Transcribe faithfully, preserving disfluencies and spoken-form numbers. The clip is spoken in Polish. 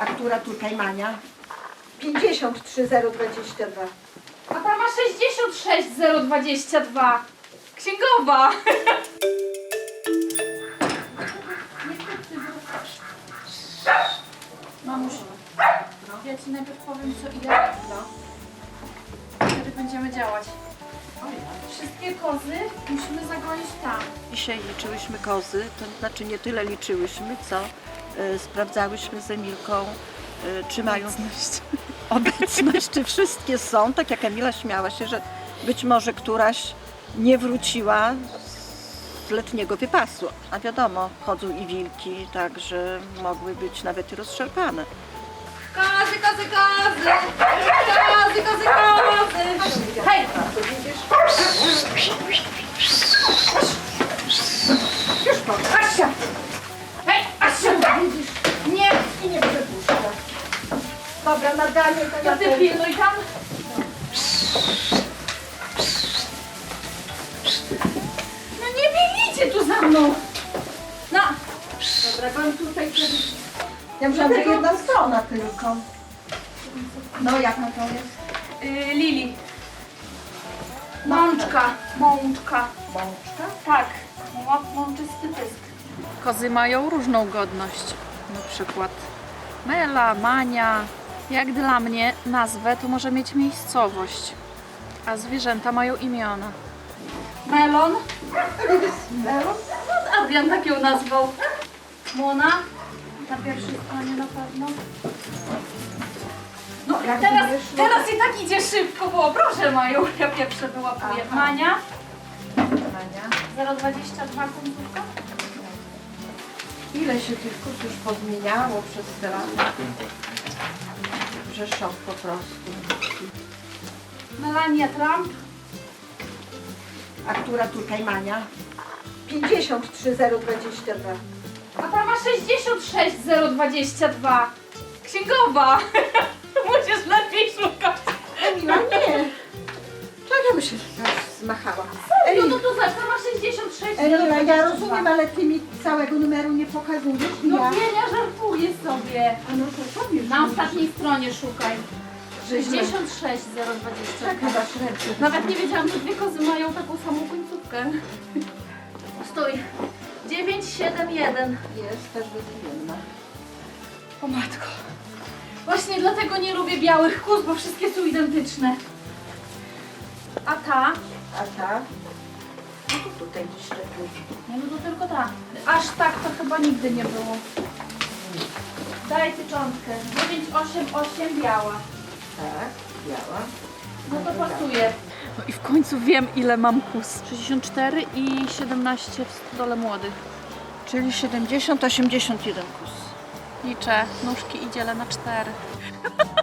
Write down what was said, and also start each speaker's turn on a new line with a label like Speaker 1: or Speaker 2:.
Speaker 1: A która tutaj Mania? pięćdziesiąt trzy zero dwadzieścia dwa.
Speaker 2: A ta ma sześćdziesiąt sześć zero dwadzieścia dwa. Księgowa. Mamuś, ja ci najpierw powiem co i jak. Wtedy będziemy działać. Wszystkie kozy musimy zagonić tam.
Speaker 1: Dzisiaj liczyłyśmy kozy, to znaczy nie tyle liczyłyśmy, co y, sprawdzałyśmy z Emilką, y, czy mają obecność. obecność, czy wszystkie są. Tak jak Emila śmiała się, że być może któraś nie wróciła z letniego wypasu. A wiadomo, chodzą i wilki, także mogły być nawet i rozszarpane.
Speaker 2: Kozy, kozy, kozy! Kozy, kozy, kozy! Hej!
Speaker 1: Już po, Asia!
Speaker 2: Hej, Asia!
Speaker 1: Widzisz,
Speaker 2: Nie!
Speaker 1: i nie przepuszcza. Dobra, nadanie to
Speaker 2: To
Speaker 1: ja
Speaker 2: ty
Speaker 1: też.
Speaker 2: pilnuj tam. No nie biegnijcie tu za mną! No!
Speaker 1: Dobra, pan tutaj kiedyś... Ja myślałam, że jedna strona tylko. No, jaka to jest?
Speaker 2: Yy, Lili. Mączka. Mączka.
Speaker 1: Mączka?
Speaker 2: Tak. Mą- Mączysty pysk. Kozy mają różną godność. Na przykład Mela, Mania. Jak dla mnie nazwę to może mieć miejscowość. A zwierzęta mają imiona. Melon.
Speaker 1: Melon?
Speaker 2: Adrian tak ją nazwał. Mona. Na pierwszej stronie na pewno. No
Speaker 1: Jak
Speaker 2: teraz,
Speaker 1: wyszło?
Speaker 2: teraz i tak idzie szybko, bo proszę mają. Ja pierwsze wyłapuję.
Speaker 1: Aha.
Speaker 2: Mania.
Speaker 1: Mania.
Speaker 2: zero dwadzieścia dwa końcówka.
Speaker 1: Ile się tych kóz już pozmieniało przez te lata? Że szok po prostu.
Speaker 2: Melania Trump.
Speaker 1: A która tutaj Mania? pięćdziesiąt trzy zero dwadzieścia dwa.
Speaker 2: A ta ma sześćdziesiąt sześć zero dwadzieścia dwa. Księgowa. Musisz lepiej szukać.
Speaker 1: Emila, nie! Czego się zmachała?
Speaker 2: No to tu zobacz, ta ma sześćdziesiąt sześć zero
Speaker 1: Emila,
Speaker 2: dwadzieścia dwa.
Speaker 1: ja rozumiem, ale ty mi całego numeru nie pokazujesz i
Speaker 2: No
Speaker 1: ja...
Speaker 2: nie, ja żartuję sobie.
Speaker 1: A no to powiesz.
Speaker 2: Na ostatniej stronie szukaj.
Speaker 1: Że źle.
Speaker 2: sześćdziesiąt sześć zero dwadzieścia
Speaker 1: Tak
Speaker 2: dwa.
Speaker 1: chyba średnio.
Speaker 2: Nawet nie wiedziałam, że dwie kozy mają taką samą końcówkę. Stój. dziewięć siedem jeden.
Speaker 1: Jest też wymienna.
Speaker 2: O matko. Właśnie dlatego nie lubię białych kóz, bo wszystkie są identyczne. A ta?
Speaker 1: A ta? No to tutaj gdzieś lepiej.
Speaker 2: Nie, no to tylko ta. Aż tak to chyba nigdy nie było. Daj tyczątkę. dziewięć osiem osiem biała.
Speaker 1: Tak, biała.
Speaker 2: No to pasuje. No i w końcu wiem, ile mam kóz. sześćdziesiąt cztery i siedemnaście w stodole młodych.
Speaker 1: Czyli siedemdziesiąt osiemdziesiąt jeden kus.
Speaker 2: Liczę nóżki i dzielę na cztery.